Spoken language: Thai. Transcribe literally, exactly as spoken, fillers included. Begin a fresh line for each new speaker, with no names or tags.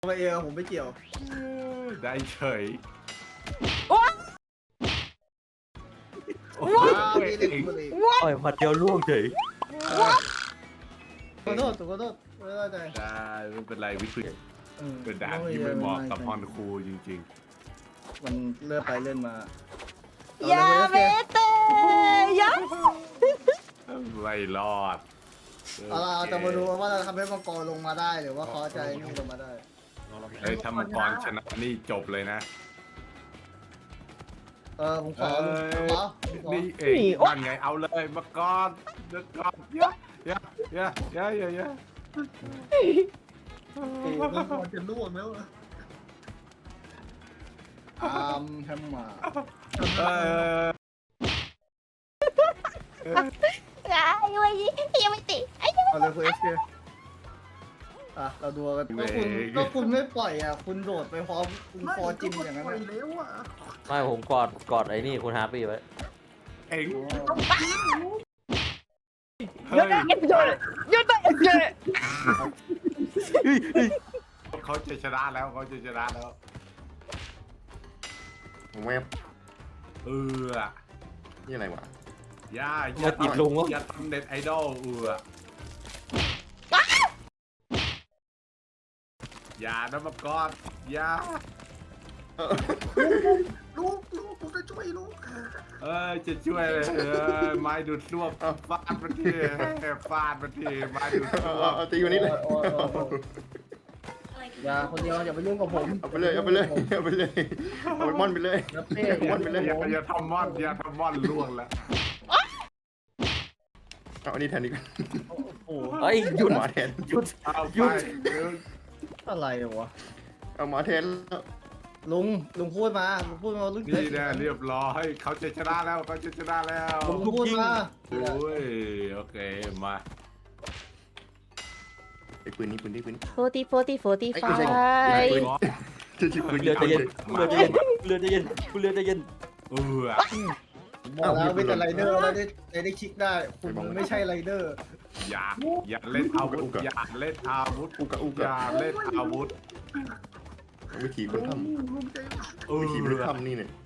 มาเองผมไม่เกี่ยว
ได้เฉย
โอ๊ย
โอ้
อ้าวย มีเล็กมาเลย
ต่อยหมัดเดียวล่วงเฉย
ขอโทษขอโทษไม่ได้ใจ
ได้ไม่เป็นไรวิธี
ออ
เป็นด่านที่ไม่เหมาะกับฮอนคูจริง
มันเลื่อนไปเลื่อนมา
อย่าเมเตอย่า
ๆไม่รอด
เอาล่ะเราจะมาดูว่าเราทำให้มังกรลงมาได้หรือว่าเขาจะนี่ลงมาได้
เฮ้ยถ้ามังกรชนะนี่จบเลยนะ
เออผมขอลุงขอผมขอ
นี่เองนั่นไงเอาเลยมังกรมังกรเยอะเยอะเยอะเยอะเยอะเยอะ
เอ้ยมังกรจะล่วงแล้วอะอามแฮมมา
เออ
ไอ้เว้ยยังไม่ติดไอ้ยังไม่
เอาเลยคุณเอสเคอ่ะเราดูกันก็คุณก็คุณไม่ปล่อยอ่ะคุณโดดไปพร้อมคุณฟอร์จินอย่างนั้นอะ
ไม่ผมกอดกอดไอ้นี่คุณฮาร์ปี้ไว้
เองเฮ้
หยุด
ย
หยุดหยุดหยุดหยุด
เขาจะชนะแล้วเขาจะชนะแล้ว
เว็บ
เออ
นี่อะไรวะ
ย่า
มาติดลุงวะ
อย่าทำเน็ตไอดอลเอออย่านะมังกรอย่า
ลูกลูกผมจะช่วยลูก
เออจะช่วยเลยเออไม้ดูดซ่วมฟาดมันทีฟาดมันทีไม้ดูด
เอา
ซ่ว
เอา
ม
เอาตีวันนี้เลย
โอ้ยโอ้ยโอ้ยอย่าคนเดียวอย่าไปยุ่งกับผม
เอาไปเลยเอาไปเลยเอาไปเลยเอาไปม่อนไปเลย
แล้วเป้
เอาม่อนไปเลย
อย่าอย่าทำม่อนอย่าทำม่อนล่วงแล้ว
เอาอันนี้แทนดีกว่า
โอ้โห
เฮ้ยหยุด
หมาแทน
หยุด
เอา
หยุ
ไป
ด
อะไรวะ
เอาหมาแทนแล้ว
ลุงลุงพูดมาลุงพูดมาลุง
นี่แน่เรียบร้อยเขาจะชนะแล้วเขาจะชนะแล้ว
ลุงพูดมา
โอ้ยโอเคมา
ไอ้ปืนนี้ปืนนี้ปืนนี้
โฟร์ตี้โฟร์ตี้โฟร์ตี้
ไอ้
ไฟ
ไม่ใช่ปืนจะชิบปืน
เรือใจเย็นเรือใจเย็นเรือใจเย็นเรือใจเย็น
เออ
บอกแล้วเป็นแต่ไรเดอร์แล้วได้ได้ได้คลิกได้คุณไม่ใช่ไรเดอร์
อย่าอย่าเล่นอาวุธอย่าเล่นอาวุธ
อุกะอุ
อก
ะ
ย่าเล่นอาวุธ
วิธีคนท
เอ
ำวิธีคน
อ
ทำนี่เนี่ย